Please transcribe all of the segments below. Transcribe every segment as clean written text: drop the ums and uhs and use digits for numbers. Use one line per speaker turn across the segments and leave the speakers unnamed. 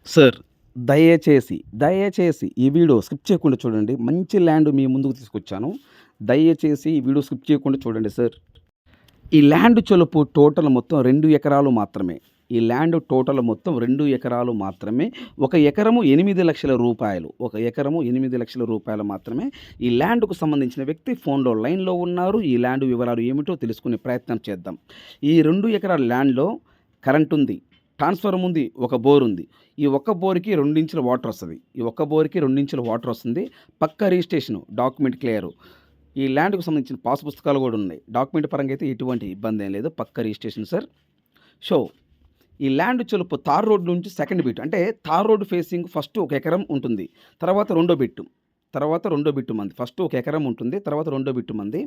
Sir దయచేసి ఈ video skip చేయకుండా చూడండి. మంచి ల్యాండ్ మీ ముందుకు తీసుకొచ్చాను. దయచేసి ఈ వీడియో స్కిప్ చేయకుండా చూడండి సార్. ఈ ల్యాండ్ చొలుపు టోటల్ మొత్తం 2 ఎకరాలు మాత్రమే. ఈ ల్యాండ్ టోటల్ మొత్తం 2 ఎకరాలు మాత్రమే. ఒక ఎకరము 8,00,000 రూపాయలు. ఒక ఎకరము 8,00,000 రూపాయలు మాత్రమే. ఈ ల్యాండ్‌కు సంబంధించిన వ్యక్తి ఫోన్‌లో లైన్‌లో ఉన్నారు. ఈ ల్యాండ్ వివరాలు ఏమిటో తెలుసుకునే ప్రయత్నం చేద్దాం. ఈ 2 ఎకరాల ల్యాండ్‌లో కరెంట్ ఉంది. ట్రాన్స్‌ఫార్మర్ ఉంది. ఒక బోర్ ఉంది. ఈ ఒక్క బోర్‌కి 2 ఇంచుల వాటర్ వస్తది. ఈ ఒక్క బోర్‌కి 2 ఇంచుల వాటర్ వస్తుంది. పక్కా రిజిస్ట్రేషన్, డాక్యుమెంట్ క్లియరు. ఈ ల్యాండ్‌కు సంబంధించిన పాస్ పుస్తకాలు కూడా ఉన్నాయి. డాక్యుమెంట్ పరంగా అయితే ఎటువంటి ఇబ్బంది ఏం లేదు. పక్కా రిజిస్ట్రేషన్ సార్. సో, ఈ ల్యాండ్ చొలుపు తార్ రోడ్ నుంచి సెకండ్ బిట్ అంటే తార్ రోడ్ ఫేసింగ్ ఫస్ట్ ఒక ఎకరం ఉంటుంది. తర్వాత రెండో బిట్టు. మంది. ఫస్ట్ ఒక ఎకరం ఉంటుంది. తర్వాత రెండో బిట్టు మంది.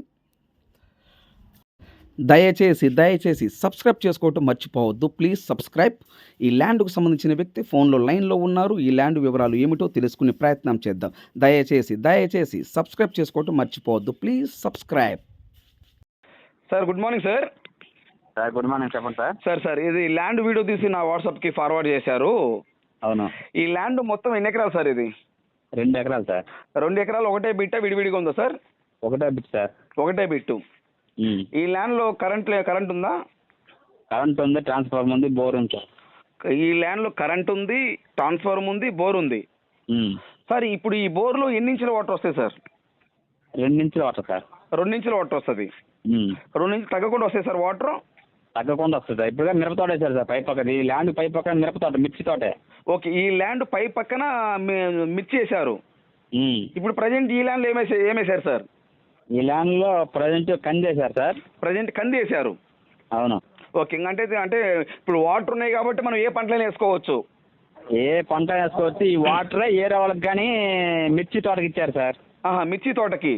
దయచేసి సబ్స్క్రైబ్ చేసుకోవటం మర్చిపోవద్దు. Please subscribe. ఈ ల్యాండ్‌కు సంబంధించిన వ్యక్తి ఫోన్‌లో లైన్‌లో ఉన్నారు. ఈ ల్యాండ్ వివరాలు ఏమిటో తెలుసుకునే ప్రయత్నం చేద్దాం. దయచేసి సబ్స్క్రైబ్ చేసుకోవటం మర్చిపోవద్దు. Please subscribe. Sir good morning sir.
Sir good morning, చెప్పండి సార్.
సార్ ఇది ల్యాండ్ వీడియో తీసి నా వాట్సాప్‌కి ఫార్వర్డ్ చేశారు.
అవును,
ఈ ల్యాండ్ మొత్తం ఎన్ని ఎకరాలు సార్ ఇది?
2 ఎకరాలు సార్.
2 ఎకరాలు ఒకటే బిట్టా విడివిడిగా ఉందా సార్?
ఒకటే బిట్ సార్.
ఒకటే బిట్టు. ఈ ల్యాండ్‌లో కరెంట్ ఉందా?
కరెంట్ ఉంది, ట్రాన్స్ఫార్మర్ ఉంది, బోర్ ఉంది సార్.
ఈ ల్యాండ్‌లో కరెంట్ ఉంది, ట్రాన్స్ఫార్మర్ ఉంది, బోర్ ఉంది. సార్ ఇప్పుడు ఈ బోర్‌లో ఎన్ని ఇంచుల వాటర్ వస్తాయి సార్?
2 ఇంచుల వాటర్ సార్.
2 ఇంచుల వాటర్ వస్తది. 2 ఇంచులు తగ్గకుండా వస్తాయి సార్ వాటర్?
తగ్గకుండా వస్తుంది సార్. ఇప్పుడు మిరప తోట వేశారు సార్ పై పక్కన. ఈ ల్యాండ్ పై పక్కన మిరప తోట, మిర్చి తోటే.
ఓకే, ఈ ల్యాండ్ పై పక్కన మిర్చి వేశారు. ఇప్పుడు ప్రజెంట్ ఈ ల్యాండ్‌లో ఏమేశారు సార్?
ఈ ల్యాండ్ లో ప్రజెంట్ కంది వేశారు సార్.
ప్రజెంట్ కంది వేశారు.
అవును.
ఓకే, అంటే ఇప్పుడు వాటర్ ఉన్నాయి కాబట్టి మనం ఏ పంటలైనా వేసుకోవచ్చు.
ఏ పంట వేసుకోవచ్చు. ఈ వాటర్ ఏరే వాళ్ళకి కానీ మిర్చి తోటకి ఇచ్చారు సార్.
మిర్చి తోటకి.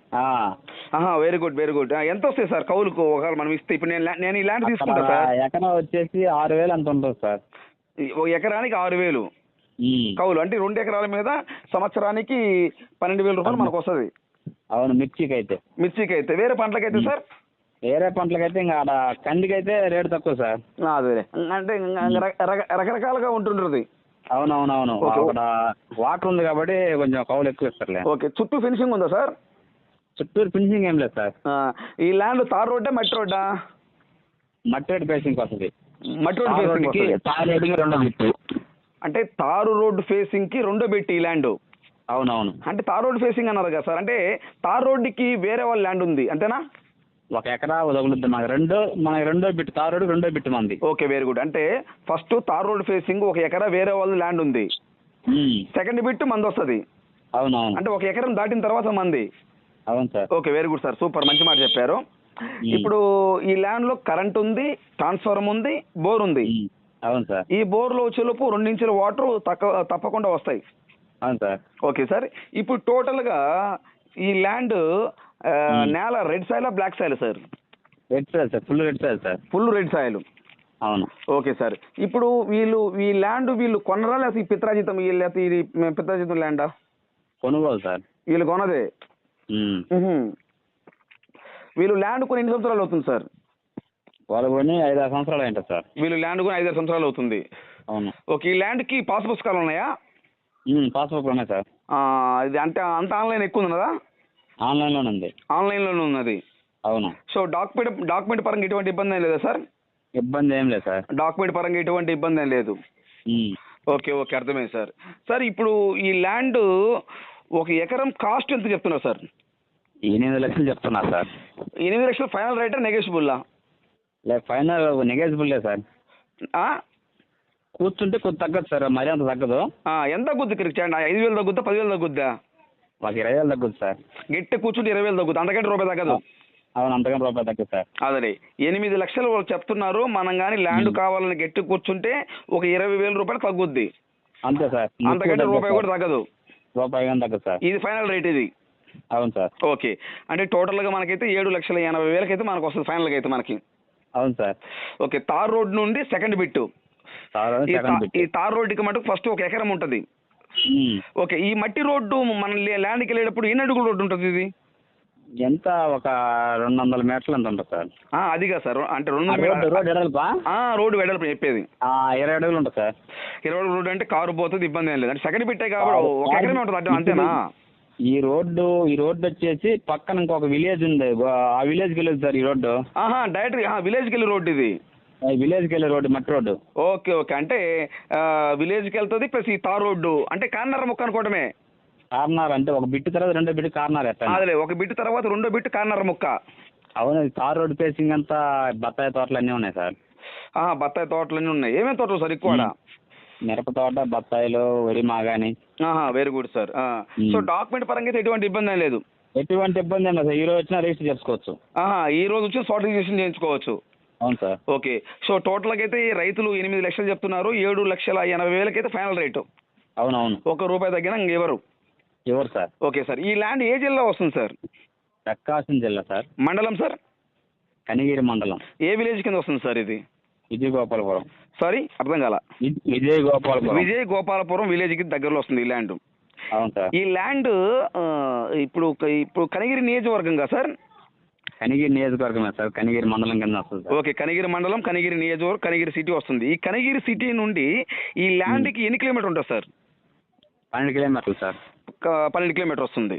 Very good. ఎంత వస్తాయి సార్ కౌలుకు ఒకవేళ మనం ఇస్తే? ఇప్పుడు నేను ఈ ల్యాండ్ తీసుకుంటా సార్.
ఎకరం వచ్చేసి 6,000 అంత ఉంటుంది సార్.
ఒక ఎకరానికి 6,000 కౌలు. అంటే 2 ఎకరాల మీద సంవత్సరానికి 12,000 రూపాయలు మనకు వస్తుంది.
అవును, మిర్చికి అయితే.
వేరే పంటలకైతే సార్?
వేరే పంటలకైతే ఇంకా ఆడ కందికి అయితే రేటు తక్కువ సార్.
అదే అంటే రకరకాలుగా ఉంటుంటుంది.
అవునవునవును. అక్కడ వాటర్ ఉంది కాబట్టి కొంచెం కౌలు ఎక్కువ ఇస్తారులే.
ఓకే, చుట్టూ ఫినిషింగ్ ఉందా సార్?
చుట్టూరు ఫినిషింగ్ ఏం లేదు సార్.
ఈ ల్యాండ్ తార్ రోడ్డా మట్టి రోడ్డా?
మట్టి రోడ్ ఫేసింగ్ వస్తుంది.
మట్టి రోడ్ ఫేసింగ్.
తార్ రోడ్డుకి రెండో బిట్టు.
అంటే తారు రోడ్డు ఫేసింగ్ కి రెండో బిట్ ఈ ల్యాండ్.
అవునవును.
అంటే తార్ రోడ్ ఫేసింగ్ అన్నారు కదా సార్. అంటే తార్ రోడ్డుకి వేరే వాళ్ళ ల్యాండ్ ఉంది అంతేనా?
1 ఎకరా వదలుద్ది మనకి రెండో బిట్టు. తార్ రోడ్ రెండో బిట్టు మంది.
Okay, very good. అంటే ఫస్ట్ తార్ రోడ్ ఫేసింగ్ 1 ఎకరా వేరే వాళ్ళ ల్యాండ్ ఉంది. సెకండ్ బిట్ మంది వస్తుంది.
అవునవును.
అంటే 1 ఎకరం దాటిన తర్వాత మంది.
అవును sir.
Okay, very good sir, super, మంచి మాట చెప్పారు. ఇప్పుడు ఈ ల్యాండ్ లో కరెంట్ ఉంది, ట్రాన్స్ఫార్మర్ ఉంది, బోర్ ఉంది.
అవును సార్.
ఈ బోర్లో చెలుపు 2 ఇంచుల వాటర్ తప్పకుండా వస్తాయి.
అవును సార్.
ఓకే సార్, ఇప్పుడు టోటల్ గా ఈ ల్యాండ్ నేల red soil black soil sir?
Red soil sir. Full red soil sir.
Full red soil.
అవును.
ఓకే సార్, ఇప్పుడు ఈ ల్యాండ్ వీళ్ళు కొనరా లేకపోతే పిత్రాజితం? లేకపోతే ఇది పిత్రాజితం ల్యాండా?
కొనుగోలు సార్.
వీళ్ళు కొనదే. వీళ్ళు ల్యాండ్ కొని ఎన్ని సంవత్సరాలు అవుతుంది సార్?
వాళ్ళు కొని 5-6 సంవత్సరాలు అయింటారు సార్.
వీళ్ళు ల్యాండ్ కొని 5-6 సంవత్సరాలు అవుతుంది.
అవును.
ఓకే, ఈ ల్యాండ్ కి పాస్ పుస్తకాలు ఉన్నాయా?
పాస్బుక్ ఉన్నాయి సార్.
ఇది అంటే అంత ఆన్లైన్ ఎక్కువ ఉన్నదా?
ఆన్లైన్లోనే ఉంది.
ఆన్లైన్లోనే ఉన్నది.
అవును.
సో డాక్యుమెంట్ పరంగా ఎటువంటి ఇబ్బంది ఏం లేదా సార్?
ఇబ్బంది ఏం లేదు సార్.
డాక్యుమెంట్ పరంగా ఎటువంటి ఇబ్బంది ఏం లేదు. ఓకే, అర్థమైంది సార్. సార్ ఇప్పుడు ఈ ల్యాండ్ 1 ఎకరం కాస్ట్ ఎంత చెప్తున్నారు సార్?
8 లక్షలు చెప్తున్నారు సార్.
8 లక్షలు ఫైనల్ రేటా నెగోషియబుల్లా?
లేదు, ఫైనల్ నెగోషియబుల్ లేదు సార్. కూర్చుంటే కొద్ది తగ్గదు సార్, మరీ అంత తగ్గదు.
ఎంత తగ్గుద్ది? 5,000 తగ్గుద్దా, 10,000 తగ్గుద్దా?
మాకు 20,000 తగ్గుద్ది సార్.
గట్టి కూర్చుంటే 20,000 తగ్గుద్ది, అంతకంటే రూపాయి తగ్గదు.
అవును, అంతకంటే రూపాయి తగ్గదు సార్.
అదే 8 లక్షలు వాళ్ళు చెప్తున్నారు. మనం కానీ ల్యాండ్ కావాలని గట్టి కూర్చుంటే ఒక 20,000 రూపాయలు తగ్గుద్ది.
అంతే సార్,
అంతకంటే రూపాయి కూడా తగ్గదు.
రూపాయి కానీ తగ్గదు సార్.
ఇది ఫైనల్ రేట్ ఇది.
అవును సార్.
ఓకే, అంటే టోటల్గా మనకైతే 7,80,000 అయితే మనకు వస్తుంది ఫైనల్గా అయితే మనకి.
అవును సార్.
ఓకే, తార్ రోడ్ నుండి సెకండ్ బిట్టు. ఈ తార్ రోడ్డుకి మటుకు ఫస్ట్ 1 ఎకరం ఉంటుంది. ఓకే, ఈ మట్టి రోడ్డు మన ల్యాండ్కి వెళ్ళేటప్పుడు ఎన్ని అడుగుల రోడ్డు ఉంటుంది? ఇది
ఎంత ఒక 200 మీటర్లు ఎంత ఉంటుంది సార్?
అదిగా సార్ అంటే
ఆ రోడ్డు ఎడల్పా?
రోడ్డు వెడల్పు చెప్పేది
20 అడుగులు ఉంటుంది సార్.
20 అడుగుల రోడ్డు అంటే కారు పోతుంది, ఇబ్బంది ఏం లేదు. అంటే సెకండ్ బిట్టే కాబట్టి ఒక ఎకరమే ఉంటుంది అంటే అంతేనా?
ఈ రోడ్డు వచ్చేసి పక్కన ఇంకొక విలేజ్ ఉంది, ఆ విలేజ్కి వెళ్ళదు సార్ ఈ రోడ్డు.
డైరెక్ట్ విలేజ్కి వెళ్ళి రోడ్డు ఇది.
విలేజ్కి వెళ్ళే రోడ్డు, మట్టి రోడ్డు.
ఓకే ఓకే, అంటే విలేజ్కి వెళ్తుంది ప్లస్ ఈ తార్ రోడ్డు అంటే కార్నర్ ముక్క అనుకోవడమే.
కార్నర్ అంటే ఒక బిట్టు తర్వాత రెండో బిట్టు కార్నర్ ఎత్తాను.
అదే ఒక బిట్టు తర్వాత రెండో బిట్టు కార్నర్ ముక్క.
అవును, తార్ రోడ్డు ఫేసింగ్ అంతా బత్తాయి తోటలు అన్నీ ఉన్నాయి సార్.
బత్తాయి తోటలన్నీ ఉన్నాయి. ఏమేమి తోటలు సార్ ఎక్కువ?
మిరప తోట, బత్తాయిలు, వరి, మాగాని.
Very good sir. So document పరంగా అయితే ఎటువంటి ఇబ్బంది ఏం లేదు.
ఎటువంటి ఇబ్బంది ఏం లేదు సార్. ఈ రోజు వచ్చినా రిజిస్టర్ చేసుకోవచ్చు.
ఈ రోజు వచ్చి సార్టిఫికేషన్ చేయించుకోవచ్చు.
అవును సార్.
ఓకే. సో టోటల్గా అయితే రైతులు 8 లక్షలు చెప్తున్నారు, 7,80,000 అయితే ఫైనల్ రేటు.
అవునవును.
₹1 తగ్గినా ఇంకెవరు
ఎవరు సార్?
Okay sir. ఈ ల్యాండ్ ఏ జిల్లా వస్తుంది సార్?
ప్రకాశం జిల్లా సార్.
మండలం సార్?
కనిగిరి మండలం.
ఏ విలేజ్ కింద వస్తుంది సార్ ఇది?
విజయ గోపాలపురం.
సారీ అర్థం కాల.
విజయ గోపాలపురం.
విజయ గోపాలపురం విలేజ్కి దగ్గరలో వస్తుంది ఈ ల్యాండ్.
అవును సార్.
ఈ ల్యాండ్ ఇప్పుడు కనిగిరి నియోజకవర్గంగా సార్?
కనిగిరి నియోజకవర్గమే సార్, కనిగిరి మండలం కింద వస్తుంది సార్.
ఓకే, కనిగిరి మండలం, కనిగిరి నియోజకవర్గం, కనిగిరి సిటీ వస్తుంది. ఈ కనిగిరి సిటీ నుండి ఈ ల్యాండ్కి ఎన్ని కిలోమీటర్ ఉంటుంది సార్?
12 కిలోమీటర్లు సార్.
12 కిలోమీటర్ వస్తుంది.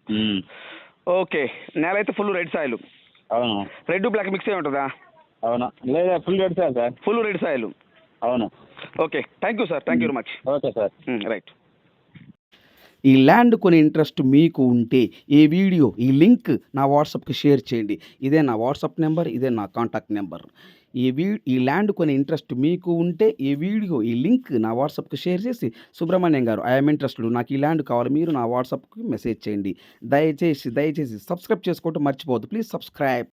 ఓకే. నేల అయితే ఫుల్ రెడ్ సాయిల్.
అవును.
రెడ్ బ్లాక్ మిక్స్ అయి ఉంటుందా?
అవును, లేదా full red soil sir.
Full red soil.
అవును.
Okay, thank you sir, thank you very much.
Okay sir.
Right. ఈ ల్యాండ్ కొని ఇంట్రెస్ట్ మీకు ఉంటే ఈ వీడియో ఈ లింక్ నా వాట్సాప్కి షేర్ చేయండి. ఇదే నా వాట్సాప్ నెంబర్, ఇదే నా కాంటాక్ట్ నెంబర్. ఈ ల్యాండ్ కొని ఇంట్రెస్ట్ మీకు ఉంటే ఈ వీడియో ఈ లింక్ నా వాట్సాప్కి షేర్ చేసి, సుబ్రహ్మణ్యం గారు ఐఎమ్ ఇంట్రెస్టెడ్, నాకు ఈ ల్యాండ్ కావాలి, మీరు నా వాట్సాప్కి మెసేజ్ చేయండి. దయచేసి సబ్స్క్రైబ్ చేసుకోవటం మర్చిపోవద్దు. Please subscribe.